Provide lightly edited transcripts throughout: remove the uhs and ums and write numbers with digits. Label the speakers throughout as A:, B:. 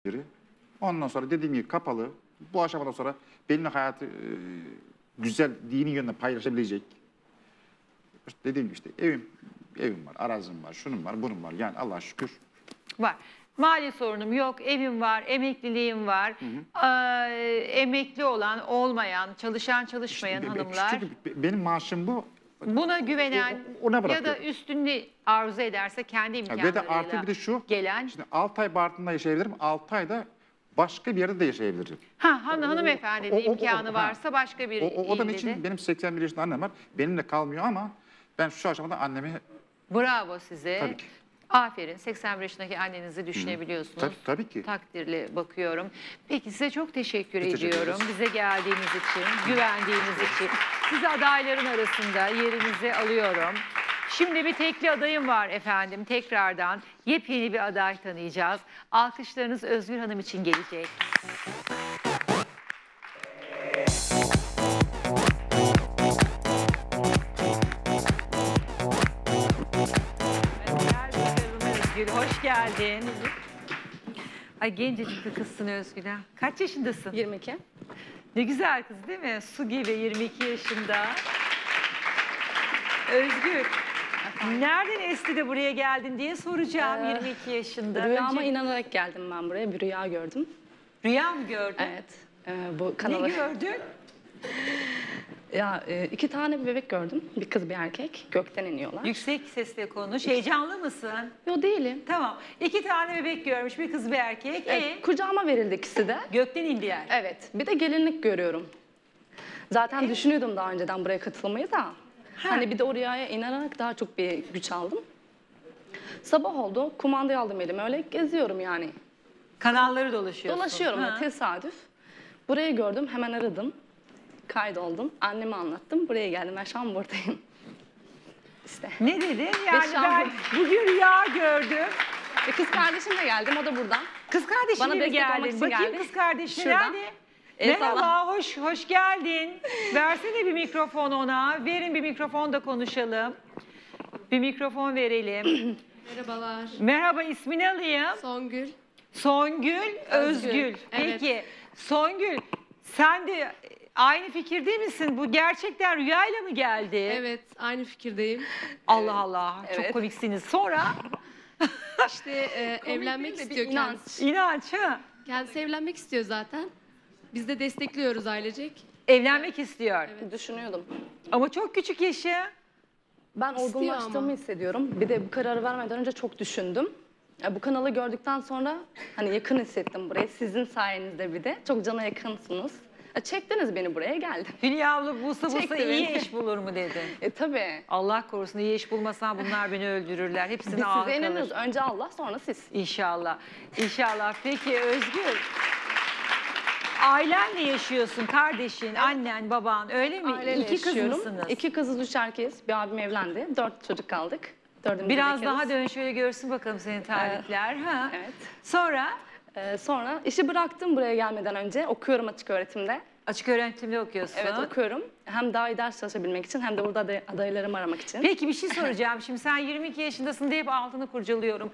A: biri. Ondan sonra dediğim gibi kapalı. Bu aşamadan sonra benimle hayatı güzel, dini yönde paylaşabilecek. İşte dediğim gibi işte evim var, arazim var, şunun var, bunun var. Yani Allah'a şükür.
B: Var. Mali sorunum yok, evim var, emekliliğim var. Emekli olan, olmayan, çalışan, çalışmayan
A: İşte
B: hanımlar.
A: çünkü benim maaşım bu.
B: Buna güvenen
A: Ona
B: ya
A: bırakıyor.
B: da üstünü arzu ederse kendi
A: Ve
B: imkanlarıyla
A: de artı bir de şu.
B: gelen.
A: Şimdi 6 ay Bartın'da yaşayabilirim, 6 ayda başka bir yerde de yaşayabilirim.
B: Hanımefendinin imkanı varsa başka bir
A: O da
B: ilde
A: için
B: de.
A: benim 81 yaşında annem var. Benimle kalmıyor ama ben şu aşamada annemi
B: Bravo size.
A: tabii ki.
B: Aferin. 81 yaşındaki annenizi düşünebiliyorsunuz.
A: Tabii ki.
B: Takdirle bakıyorum. Peki size çok teşekkür
A: Teşekkür
B: ediyorum.
A: ederiz.
B: Bize geldiğiniz için, güvendiğiniz için. Sizi adayların arasında yerinizi alıyorum. Şimdi bir tekli adayım var efendim. Tekrardan yepyeni bir aday tanıyacağız. Alkışlarınız Özgür Hanım için gelecek. Gel bakalım Özgür, hoş geldin. Ay gencecik bir kızsın Özgür ha. Kaç yaşındasın?
C: 22.
B: Ne güzel kız değil mi? Su gibi 22 yaşında. Özgür, nereden esti de buraya geldin diye soracağım 22 yaşında.
C: Rüyama
B: Önce
C: inanarak geldim ben buraya. Bir rüya gördüm.
B: rüya mı gördün?
C: Evet. Bu kanalı.
B: Ne gördün?
C: Ya 2 tane bir bebek gördüm. Bir kız bir erkek. Gökten iniyorlar.
B: Yüksek sesle konuş. Heyecanlı mısın?
C: Yo değilim.
B: Tamam. 2 tane bebek görmüş. Bir kız bir erkek.
C: Kucağıma verildi ikisi de.
B: Gökten indiler.
C: Evet. Bir de gelinlik görüyorum. Zaten düşünüyordum daha önceden buraya katılmayı da. Hani bir de o rüyaya inanarak daha çok bir güç aldım. Sabah oldu. Kumandayı aldım elime. Öyle geziyorum yani.
B: Kanalları dolaşıyorsun.
C: Dolaşıyorum
B: Ha.
C: da tesadüf. Burayı gördüm. Hemen aradım. Kaydoldum. Anneme anlattım. Buraya geldim. Ben şu an buradayım. İşte.
B: Ne dedi? Yani
C: şu an
B: ben bugün rüya gördüm.
C: Kız kardeşimle geldim. O da buradan.
B: Kız kardeşinle
C: Bana
B: mi
C: destek olmak
B: geldin?
C: için
B: Bakayım
C: geldi.
B: kız kardeşine
C: Şuradan.
B: nerede?
C: Eyvallah.
B: Merhaba, hoş geldin. Versene bir mikrofon ona. Verin bir mikrofon da konuşalım. Bir mikrofon verelim.
D: Merhabalar.
B: Merhaba, ismini alayım.
D: Songül.
B: Songül, Özgül.
D: Evet.
B: Peki, Songül, sen de aynı fikirde misin? Bu gerçekten rüyayla mı geldi?
D: Evet, aynı fikirdeyim.
B: Allah Allah, çok
C: Evet.
B: komiksiniz. Sonra
D: İşte evlenmek
C: değil de bir
D: istiyor
C: inanç.
D: kendisi.
B: inanç, ha?
D: Kendisi evlenmek istiyor zaten. Biz de destekliyoruz ailecek.
B: Evlenmek istiyor.
C: Düşünüyordum.
B: Ama çok küçük yaşı.
C: Ben
D: İstiyor
C: olgunlaştığımı
D: ama.
C: hissediyorum. Bir de bu kararı vermeden önce çok düşündüm. Bu kanalı gördükten sonra hani yakın hissettim burayı. Sizin sayenizde bir de. Çok cana yakınsınız. Çektiniz beni buraya geldim.
B: Hülya abla bulsa
C: Çekti
B: iyi
C: beni.
B: eş bulur mu dedi.
C: Tabii.
B: Allah korusun iyi eş bulmasan bunlar beni öldürürler.
C: Biz
B: Hepsini
C: size
B: ağır
C: inanıyoruz.
B: kalır.
C: Önce Allah sonra siz.
B: İnşallah. İnşallah. Peki Özgür. Ailenle yaşıyorsun. Kardeşin, annen, baban öyle mi?
C: Aileyle
B: İki kız
C: yaşıyorum.
B: mısınız?
C: 2 kızız 3 erkeğiz. Bir abim evlendi. 4 çocuk kaldık. Dördümüz
B: Biraz
C: bekariz.
B: daha dön şöyle görsün bakalım senin tarihler. Ha?
C: Evet.
B: Sonra
C: Sonra işi bıraktım buraya gelmeden önce. Okuyorum açık öğretimde.
B: açık öğretimde okuyorsun.
C: Evet okuyorum. Hem daha iyi ders çalışabilmek için hem de burada adaylarımı aramak için.
B: Peki bir şey soracağım. Şimdi sen 22 yaşındasın diye hep altını kurcalıyorum.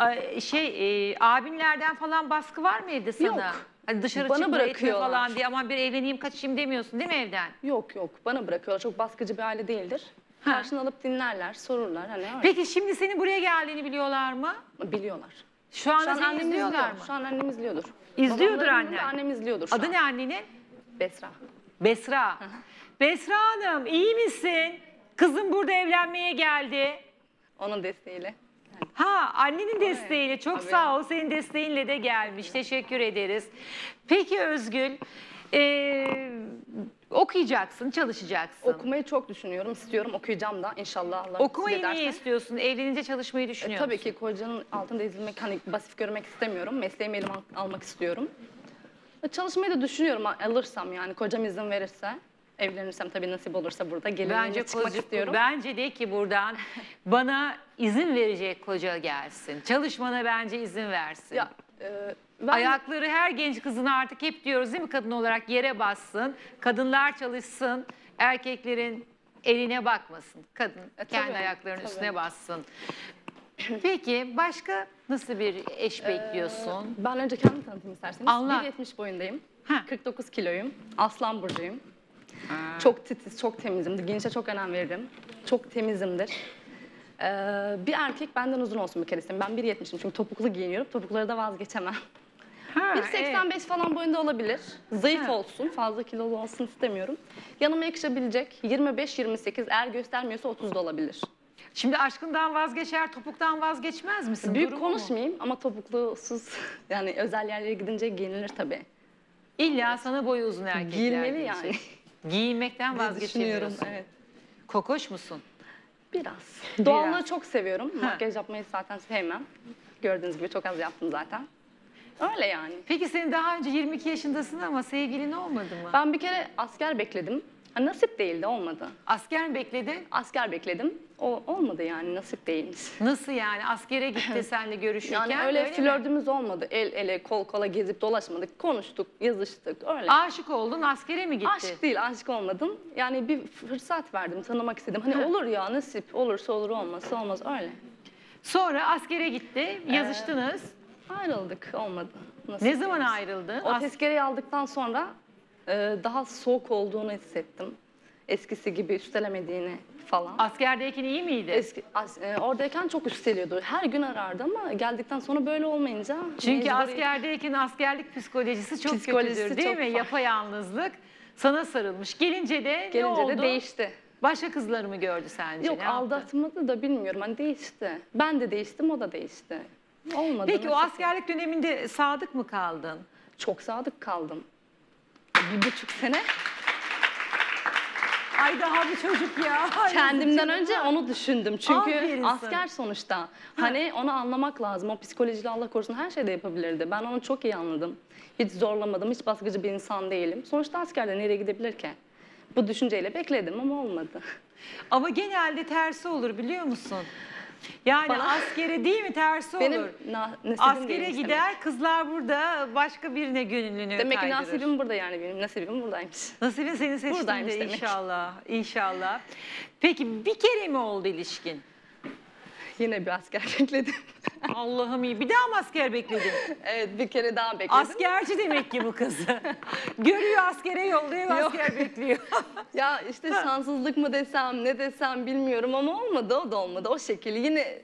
B: Abinlerden falan baskı var mı evde sana?
C: Yok.
B: Hani dışarı
C: Bana
B: çıkma etme
C: bırakıyorlar.
B: falan diye aman bir evleneyim kaçayım demiyorsun değil mi evden?
C: Yok bana bırakıyorlar. Çok baskıcı bir aile değildir. Karşını alıp dinlerler, sorurlar. Hani öyle.
B: Peki şimdi senin buraya geldiğini biliyorlar mı?
C: Biliyorlar.
B: Şu anda
C: Şu an
B: seni
C: annem
B: izliyorlar
C: izliyor.
B: mı?
C: Şu an annem izliyordur.
B: İzliyordur
C: Babamların yanında
B: annen.
C: Annem izliyordur şu
B: Adı
C: an.
B: ne annenin?
C: Besra.
B: Besra. Besra Hanım iyi misin? Kızım burada evlenmeye geldi.
C: Onun desteğiyle.
B: Ha annenin desteğiyle çok
C: Tabii.
B: sağ ol. Senin desteğinle de gelmiş. Teşekkür ederiz. Peki Özgül okuyacaksın, çalışacaksın.
C: Okumayı çok düşünüyorum, istiyorum. Okuyacağım da inşallah Allah
B: Okumayı
C: nasip
B: niye
C: ederse.
B: istiyorsun? Evlenince çalışmayı düşünüyor
C: Tabii
B: musun?
C: ki kocanın altında ezilmek, hani basit görmek istemiyorum. Mesleğimi elime almak istiyorum. Çalışmayı da düşünüyorum alırsam yani kocam izin verirse. Evlenirsem tabii nasip olursa burada gelinliğine çıkmak istiyorum.
B: Bence de ki buradan bana izin verecek koca gelsin. Çalışmana bence izin versin.
C: Ya, ben
B: Ayakları her genç kızın artık hep diyoruz değil mi kadın olarak yere bassın. Kadınlar çalışsın. Erkeklerin eline bakmasın. Kadın kendi
C: tabii,
B: ayaklarının
C: tabii.
B: üstüne bassın. Peki başka Nasıl bir eş bekliyorsun?
C: Ben önce kendimi tanıtayım isterseniz.
B: Anlat.
C: 1.70 boyundayım.
B: Ha.
C: 49 kiloyum. Aslan burcuyum. Çok titiz, çok temizimdir. Giyinişe çok önem veririm. Çok temizimdir. Bir erkek benden uzun olsun bir kere isterim. Ben 1.70'im çünkü topuklu giyiniyorum. Topukları da vazgeçemem.
B: Ha,
C: 1.85 falan boyunda olabilir. Zayıf
B: Ha.
C: olsun, fazla kilolu olsun istemiyorum. Yanıma yakışabilecek 25-28, eğer göstermiyorsa 30 da olabilir.
B: Şimdi aşkından vazgeçer, topuktan vazgeçmez misin?
C: Büyük
B: Durumu mu?
C: konuşmayayım ama topuklusuz yani özel yerlere gidince giyinilir tabii.
B: İlla sana boyu uzun erkekler
C: Giyilmeli
B: diyecek.
C: yani.
B: Giyinmekten
C: diye
B: vazgeçemiyorsun.
C: düşünüyorum, evet.
B: Kokoş musun?
C: Biraz. Doğallığı
B: Biraz.
C: çok seviyorum.
B: Ha.
C: Makyaj yapmayı zaten sevmem. Gördüğünüz gibi çok az yaptım zaten. Öyle yani.
B: Peki senin daha önce 22 yaşındasın ama sevgilin olmadı mı?
C: Ben bir kere asker bekledim. Ha, nasip değildi, olmadı.
B: Asker mi bekledin?
C: Asker bekledim. O olmadı yani, nasip değilmiş.
B: Nasıl yani? Askere gitti seninle görüşürken.
C: Yani öyle
B: mi?
C: flörtümüz olmadı. El ele, kol kola gezip dolaşmadık. Konuştuk, yazıştık öyle.
B: Aşık oldun, askere mi gitti?
C: Aşk değil, aşık olmadım. Yani bir fırsat verdim, tanımak istedim. Hani olur ya, nasip olursa olur, olmazsa olmaz öyle.
B: Sonra askere gitti, yazıştınız.
C: Ayrıldık, olmadı. Nasip
B: Ne zaman
C: değilmiş.
B: ayrıldın?
C: O tezkereyi aldıktan sonra daha soğuk olduğunu hissettim. Eskisi gibi üstelemediğini falan.
B: Askerdeyken iyi miydi?
C: Oradayken çok üsteliyordu. Her gün arardı ama geldikten sonra böyle olmayınca...
B: Çünkü
C: mecburi-
B: askerdeyken askerlik psikolojisi çok
C: Psikolojisi
B: kötüdür değil
C: çok
B: mi?
C: farklı.
B: Yapayalnızlık sana sarılmış. Gelince de ne
C: Gelince
B: oldu?
C: de değişti.
B: Başka kızları mı gördü sence?
C: Yok,
B: Ne yaptı?
C: aldatmadı da bilmiyorum. Hani değişti. Ben de değiştim, o da değişti. Olmadı.
B: Peki o
C: nasıl?
B: askerlik döneminde sadık mı kaldın?
C: Çok sadık kaldım. 1,5 sene.
B: Ay daha bir çocuk ya. Ay,
C: Kendimden
B: canım.
C: önce onu düşündüm. Çünkü
B: Aferin sana.
C: asker sonuçta. Hani onu anlamak lazım. O psikolojiyle Allah korusun her şeyde yapabilirdi. Ben onu çok iyi anladım. Hiç zorlamadım. Hiç baskıcı bir insan değilim. Sonuçta askerde nereye gidebilir ki? Bu düşünceyle bekledim ama olmadı.
B: Ama genelde tersi olur biliyor musun? Yani
C: Bana-
B: askere değil mi tersi
C: Benim
B: olur.
C: nasibim
B: Askere
C: değilmiş
B: gider kızlar burada başka birine gönlünü
C: Demek ki
B: kaydırır.
C: nasibim burada yani benim. Nasibim buradaymış.
B: Nasibin seni seçtiğinde
C: Buradaymış demek.
B: inşallah. İnşallah. Peki bir kere mi oldu ilişkin?
C: Yine bir asker bekledim.
B: Allah'ım iyi. Bir daha mı asker bekledin?
C: Evet, bir kere daha bekledim.
B: Askerci demek ki bu kızı. Görüyor askere yolluyor,
C: Yok.
B: asker bekliyor.
C: Ya işte şanssızlık mı desem, ne desem bilmiyorum ama olmadı, o da olmadı. O şekilde yine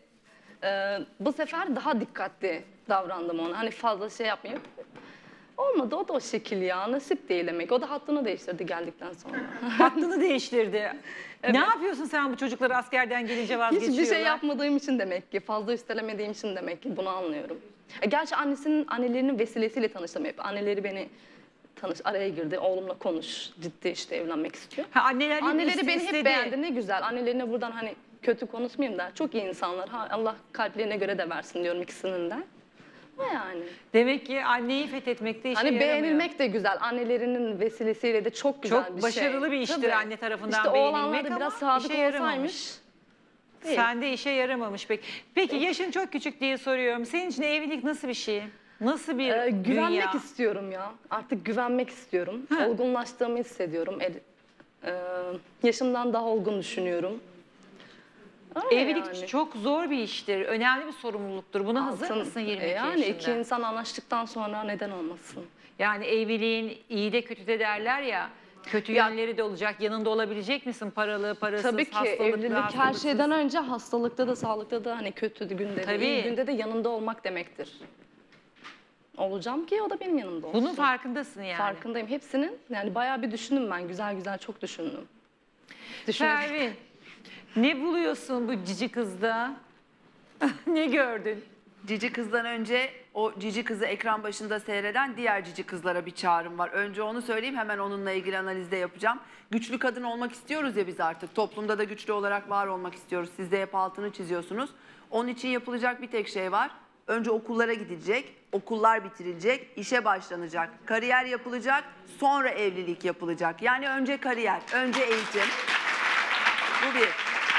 C: bu sefer daha dikkatli davrandım ona. Hani fazla şey yapmayıp. Olmadı, o da o şekil ya. Nasip değil demek. O da hattını değiştirdi geldikten sonra.
B: Hattını değiştirdi.
C: Evet.
B: Ne yapıyorsun sen bu çocukları askerden gelince vazgeçiyorlar?
C: Hiçbir şey yapmadığım için demek ki, fazla üstelemediğim için demek ki bunu anlıyorum. Gerçi annelerinin vesilesiyle tanıştım hep. Anneleri beni araya girdi. Oğlumla konuş, ciddi işte evlenmek istiyor.
B: Ha, anneler
C: Anneleri beni
B: istedi.
C: hep beğendi, ne güzel. Annelerine buradan hani kötü konuşmayayım da çok iyi insanlar. Allah kalplerine göre de versin diyorum ikisinin de. O yani.
B: Demek ki anneyi fethetmekte işe
C: Hani
B: yaramıyor.
C: beğenilmek de güzel. Annelerinin vesilesiyle de çok güzel
B: Çok
C: bir şey.
B: başarılı bir iştir
C: Tabii.
B: anne tarafından
C: İşte
B: beğenilmek
C: oğlanlar da
B: ama
C: biraz sadık
B: işe yaramamış.
C: olsaymış. Değil.
B: Sende işe yaramamış peki. Peki yaşın çok küçük diye soruyorum. Senin için evlilik nasıl bir şey? Nasıl bir
C: Güvenmek
B: dünya?
C: istiyorum ya. Artık güvenmek istiyorum.
B: Ha.
C: Olgunlaştığımı hissediyorum. Yaşımdan daha olgun düşünüyorum. Öyle
B: Evlilik
C: yani.
B: çok zor bir iştir. Önemli bir sorumluluktur. Buna hazır
C: Altın.
B: mısın 22
C: Yani
B: yaşında?
C: iki insan anlaştıktan sonra neden olmasın?
B: Yani evliliğin iyi de kötü de derler ya. Kötü
C: Ya-
B: yönleri de olacak. Yanında olabilecek misin? Paralı, parasız,
C: Tabii ki
B: hastalıklı,
C: evlilik her
B: hastalıksız.
C: şeyden önce hastalıkta da sağlıkta da hani kötü günde de
B: Tabii.
C: iyi günde de yanında olmak demektir. Olacağım ki o da benim yanımda olsun.
B: Bunun farkındasın yani.
C: Farkındayım hepsinin. Yani bayağı bir düşündüm ben. Güzel güzel çok düşündüm. Düşünerek-
B: Pervin, ne buluyorsun bu cici kızda? Ne gördün?
E: Cici kızdan önce o cici kızı ekran başında seyreden diğer cici kızlara bir çağrım var. Önce onu söyleyeyim, hemen onunla ilgili analizde yapacağım. Güçlü kadın olmak istiyoruz ya biz artık. Toplumda da güçlü olarak var olmak istiyoruz. Siz de hep altını çiziyorsunuz. Onun için yapılacak bir tek şey var. Önce okullara gidilecek, okullar bitirilecek, işe başlanacak, kariyer yapılacak, sonra evlilik yapılacak. Yani önce kariyer, önce eğitim. Bu bir.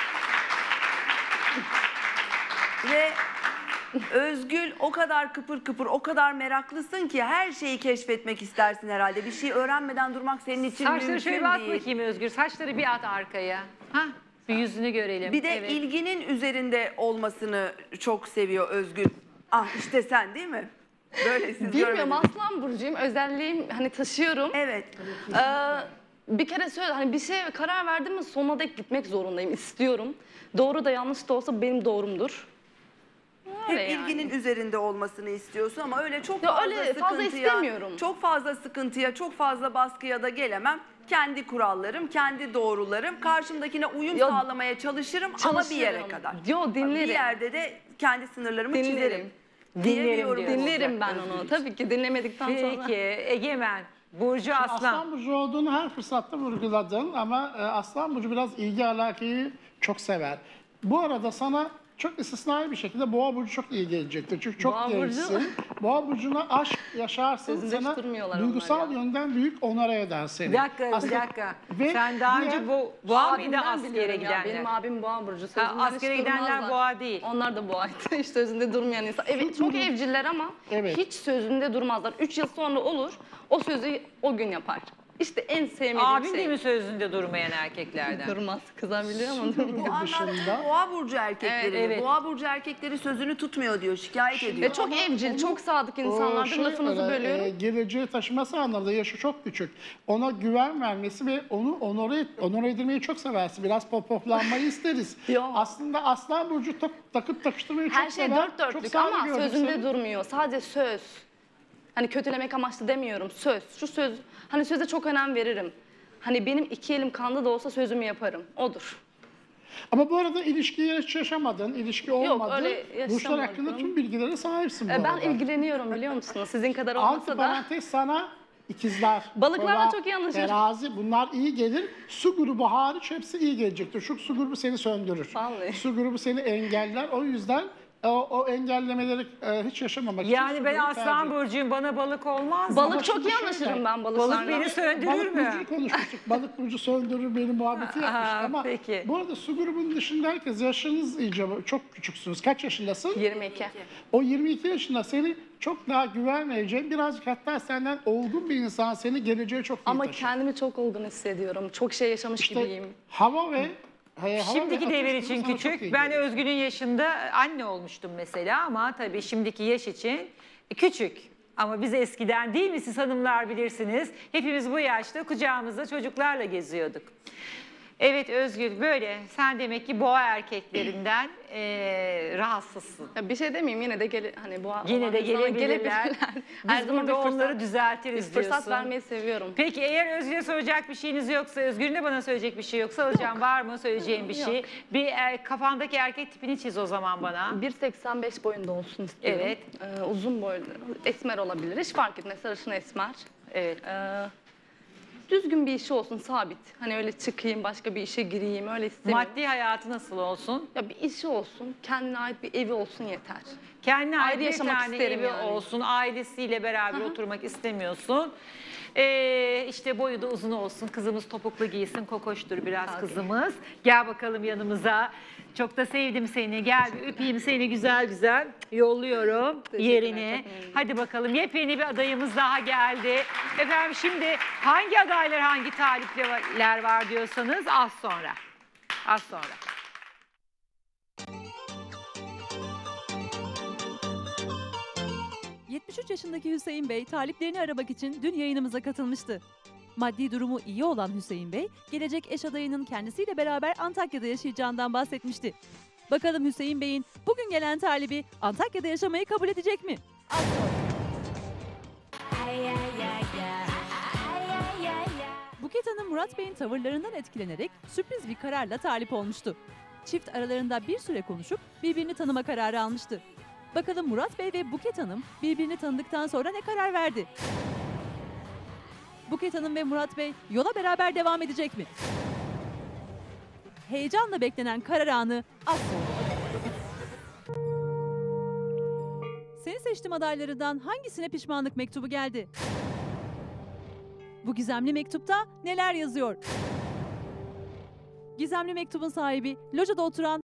E: Ve Özgül o kadar kıpır kıpır, o kadar meraklısın ki her şeyi keşfetmek istersin herhalde. Bir şey öğrenmeden durmak senin için
B: Saçları
E: mümkün
B: şöyle bir at
E: değil.
B: bakayım Özgür. Saçları bir at arkaya. Ha, bir yüzünü görelim.
E: Bir de
B: Evet.
E: ilginin üzerinde olmasını çok seviyor Özgül. Ah işte sen değil mi? Böyle siz
C: Bilmiyorum,
E: görmediniz.
C: Aslan burcuyum. Özelliğim hani taşıyorum.
E: Evet.
C: Bir kere söyle, hani bir şeye karar verdim mi sonuna dek gitmek zorundayım, istiyorum. Doğru da yanlış da olsa benim doğrumdur. Öyle
E: Hep
C: yani.
E: ilginin üzerinde olmasını istiyorsun ama öyle çok
C: Ya
E: fazla
C: öyle fazla
E: sıkıntıya,
C: istemiyorum.
E: çok fazla sıkıntıya, çok fazla baskıya da gelemem. Kendi kurallarım, kendi doğrularım. Karşımdakine uyum
C: Ya,
E: sağlamaya çalışırım ama bir yere
C: çalışırım.
E: kadar.
C: Yo, dinlerim.
E: Bir yerde de kendi sınırlarımı
C: Dinlerim.
E: çizerim.
B: Dinlerim
E: Diyebiliyorum
B: diyor.
E: olacak
C: Dinlerim ben
E: Özgür
C: onu.
E: için.
C: Tabii ki dinlemedikten sonra.
B: Peki Egemen, Burcu Aslan.
F: Aslan burcu olduğunu her fırsatta vurguladın ama Aslan burcu biraz ilgi alakayı çok sever. Bu arada sana çok istisnai bir şekilde Boğa burcu çok iyi gelecektir. Çünkü çok
C: Boğa burcu-
F: gençsin. Boğa burcuna aşk yaşarsın,
C: Sözünde hiç
F: sana
C: durmuyorlar
F: duygusal
C: onlar ya.
F: yönden büyük onore eder seni.
B: Bir dakika, bir
F: Aslında-
B: dakika.
F: Ve
B: Sen daha
F: diğer-
B: önce boğa mıydı
C: Abimden
B: askere
C: biliyorum ya,
B: gidenler?
C: Benim abim boğa burcu.
B: Ha,
C: Sözünden
B: askere
C: hiç
B: gidenler
C: durmazlar.
B: boğa değil.
C: Onlar da boğaydı. Hiç sözünde durmayan insan. Evet, çok evciller ama
F: Evet.
C: hiç sözünde durmazlar. 3 yıl sonra olur, o sözü o gün yapar. İşte en sevmediğim
B: Abin
C: şey.
B: değil mi sözünde durmayan erkeklerden?
C: Durmaz. Kızabiliyor ama durmaz.
E: Bu anlamda Boğa burcu erkekleri.
B: Evet.
E: Boğa burcu erkekleri sözünü tutmuyor diyor, şikayet ediyor.
C: Ve çok evcil, çok sadık insanlardır. Lafınızı bölüyorum.
F: Geleceği taşıması anlamında yaşı çok küçük. Ona güven vermesi ve onu onore edilmeyi çok seversin. Biraz pohpohlanmayı isteriz.
C: Yok.
F: Aslında Aslan burcu takıp takıştırmayı çok
C: Her şey
F: sever.
C: dört
F: Çok
C: dörtlük
F: saygı
C: ama
F: gördüm
C: sözünde
F: seni.
C: durmuyor. Sadece söz. Hani kötülemek amaçlı demiyorum. Söz. Şu söz. Hani söze çok önem veririm. Hani benim 2 elim kanda da olsa sözümü yaparım. Odur.
F: Ama bu arada ilişkiyi hiç yaşamadın, ilişki olmadı.
C: öyle
F: Burçlar
C: yaşamadım.
F: hakkında tüm bilgilere sahipsin bu
C: Ben
F: arada.
C: ilgileniyorum, biliyor musunuz? Sizin kadar olmasa
F: Altı
C: da.
F: parantez sana ikizler.
C: Balıklarla
F: Kova,
C: çok iyi anlaşırım.
F: Terazi bunlar iyi gelir. Su grubu hariç hepsi iyi gelecektir. Şu su grubu seni söndürür.
C: Vallahi.
F: Su grubu seni engeller. O yüzden o engellemeleri hiç yaşamamak için
B: Yani
F: su
B: ben
F: grubu
B: Aslan
F: tercih.
B: burcuyum, bana balık olmaz mı?
C: Balık çok iyi
F: şöyle,
C: anlaşırım ben
B: Balık
C: balıklarla.
B: beni söndürür
F: Balık
B: mü?
F: burcu konuşmuştuk. Balık burcu söndürür benim muhabbeti yapmıştık ama
B: peki.
F: bu arada su grubunun dışında herkes yaşınız iyice çok küçüksünüz. Kaç yaşındasın?
C: 22.
F: O 22 yaşında seni çok daha güven vereceğin, birazcık hatta senden olgun bir insan seni geleceğe çok iyi
C: Ama
F: taşır.
C: kendimi çok olgun hissediyorum. Çok şey yaşamış
F: İşte
C: gibiyim.
F: hava ve
B: Şimdiki
F: ateş
B: devir
F: grubu
B: için
F: sana çok
B: küçük.
F: iyi
B: Ben
F: geliyor.
B: Özgür'ün yaşında anne olmuştum mesela ama tabii şimdiki yaş için küçük. Ama biz eskiden değil mi, siz hanımlar bilirsiniz. Hepimiz bu yaşta kucağımızda çocuklarla geziyorduk. Evet Özgür, böyle sen demek ki boğa erkeklerinden rahatsızsın.
C: Ya bir şey demeyeyim, yine de hani bu
B: Yine de gelebilirler.
C: Her
B: Biz
C: zaman bir
B: burada onları
C: fırsat,
B: düzeltiriz
C: fırsat
B: diyorsun.
C: vermeyi seviyorum.
B: Peki eğer Özgür'e soracak bir şeyiniz yoksa, Özgür'ün de bana söyleyecek bir şey yoksa, hocam var mı söyleyeceğim bir şey?
C: Yok.
B: Bir kafandaki erkek tipini çiz o zaman bana.
C: 1.85 boyunda olsun istiyorum.
B: Evet.
C: Uzun boylu, esmer olabilir. Hiç fark etmez, sarışın esmer.
B: Evet.
C: Düzgün bir işi olsun, sabit. Hani öyle çıkayım, başka bir işe gireyim, öyle istemiyorum.
B: Maddi hayatı nasıl olsun?
C: Ya bir işi olsun, kendine ait bir evi olsun yeter.
B: Kendine ait
C: Ayrı
B: bir
C: yaşamak
B: tane
C: isterim
B: evi
C: yani.
B: olsun, ailesiyle beraber oturmak istemiyorsun. İşte boyu da uzun olsun, kızımız topuklu giysin, kokoştur biraz
C: Tabii.
B: kızımız. Gel bakalım yanımıza. Çok da sevdim seni. Gel bir öpeyim seni güzel güzel. Yolluyorum
C: Teşekkürler,
B: yerine.
C: çok memnunum.
B: Hadi bakalım, yepyeni bir adayımız daha geldi. Efendim şimdi hangi adaylar, hangi talipler var diyorsanız az sonra. Az sonra.
G: ...73 yaşındaki Hüseyin Bey taliplerini aramak için dün yayınımıza katılmıştı. Maddi durumu iyi olan Hüseyin Bey, gelecek eş adayının kendisiyle beraber Antakya'da yaşayacağından bahsetmişti. Bakalım Hüseyin Bey'in bugün gelen talibi Antakya'da yaşamayı kabul edecek mi? Buket Hanım Murat Bey'in tavırlarından etkilenerek sürpriz bir kararla talip olmuştu. Çift aralarında bir süre konuşup birbirini tanıma kararı almıştı. Bakalım Murat Bey ve Buket Hanım birbirini tanıdıktan sonra ne karar verdi? Buket Hanım ve Murat Bey yola beraber devam edecek mi? Heyecanla beklenen karar anı az sonra. Seni seçtim adaylarından hangisine pişmanlık mektubu geldi? Bu gizemli mektupta neler yazıyor? Gizemli mektubun sahibi lojada oturan